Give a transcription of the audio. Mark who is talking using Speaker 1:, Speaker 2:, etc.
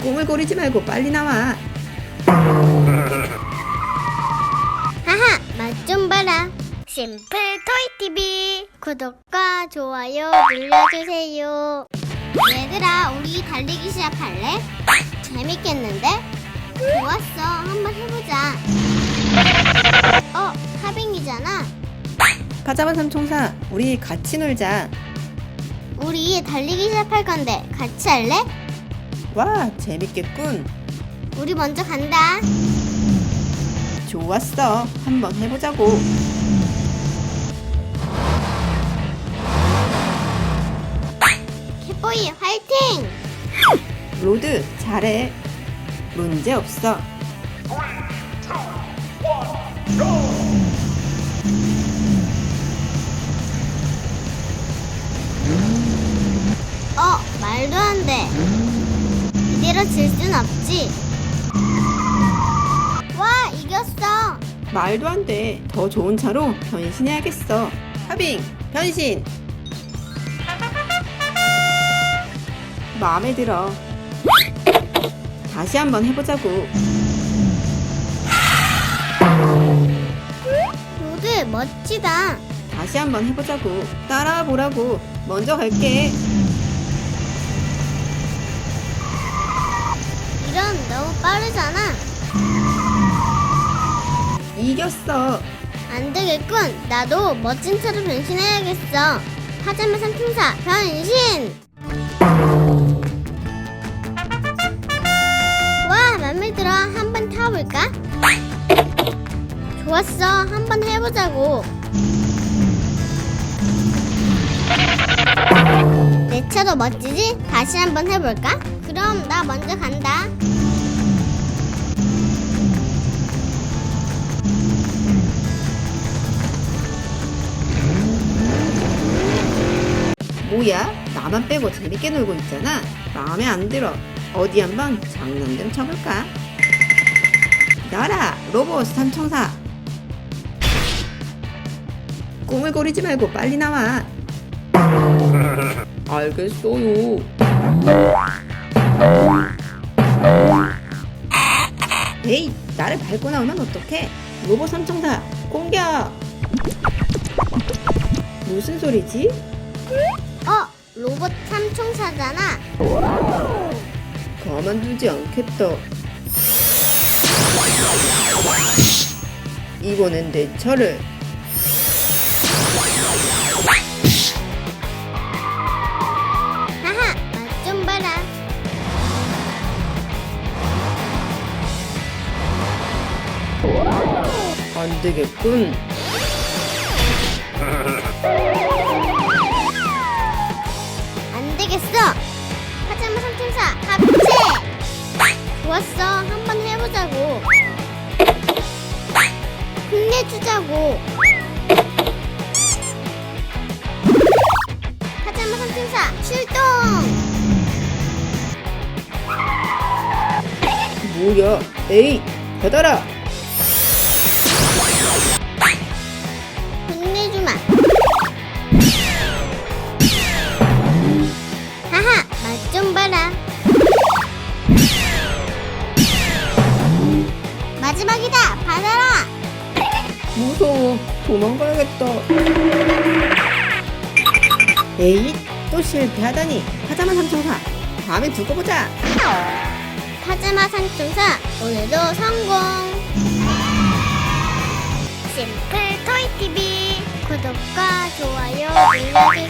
Speaker 1: 꾸물거리지 말고 빨리 나와.
Speaker 2: 하하, 맛 좀 봐라. 심플 토이 TV 구독과 좋아요 눌러주세요. 얘들아, 우리 달리기 시작할래? 재밌겠는데? 좋았어, 한번 해보자. 하빙이잖아.
Speaker 1: 파자마 삼총사, 우리 같이 놀자.
Speaker 2: 우리 달리기 시작할 건데 같이 할래?
Speaker 1: 와, 재밌겠군.
Speaker 2: 우리 먼저 간다.
Speaker 1: 좋았어, 한번 해보자고.
Speaker 2: 캣보이 화이팅!
Speaker 1: 로드, 잘해. 문제 없어.
Speaker 2: 말도 안 돼. 이대로 질 순 없지. 와, 이겼어.
Speaker 1: 말도 안 돼. 더 좋은 차로 변신해야겠어. 하빙, 변신. 마음에 들어. 다시 한번 해보자고.
Speaker 2: 로드 멋지다.
Speaker 1: 다시 한번 해보자고. 따라와 보라고. 먼저 갈게.
Speaker 2: 이런 너무 빠르잖아.
Speaker 1: 이겼어.
Speaker 2: 안 되겠군. 나도 멋진 차로 변신해야겠어. 파자마 삼총사 변신. 와, 맘에 들어. 한번 타볼까? 좋았어. 한번 해보자고. 내 차도 멋지지? 다시 한번 해볼까? 그럼 나 먼저 간다.
Speaker 1: 뭐야? 나만 빼고 재밌게 놀고 있잖아. 마음에 안 들어. 어디 한번 장난 좀 쳐볼까? 나라 로봇 삼총사. 꾸물거리지 말고 빨리 나와. 알겠어요. 에이, 나를 밟고 나오면 어떡해? 로봇 삼총사 공격. 무슨 소리지?
Speaker 2: 로봇 삼총사잖아.
Speaker 1: 가만두지 않겠다. 이번엔 내 차례.
Speaker 2: 하하, 맛 좀 봐라.
Speaker 1: 안 되겠군.
Speaker 2: 안 되겠어. 파자마 삼총사 합체. 좋았어. 한번 해보자고. 힘내주자고. 파자마 삼총사 출동.
Speaker 1: 뭐야? 에이, 받아라.
Speaker 2: 혼내주마. 하하, 맛 좀 봐라. 마지막이다. 받아라.
Speaker 1: 무서워. 도망가야겠다. 에이, 또 실패하다니. 파자마 삼총사, 다음에 두고 보자.
Speaker 2: 파자마 삼총사 오늘도 성공. 심플 토이 TV 구독과 좋아요 눌러주세요.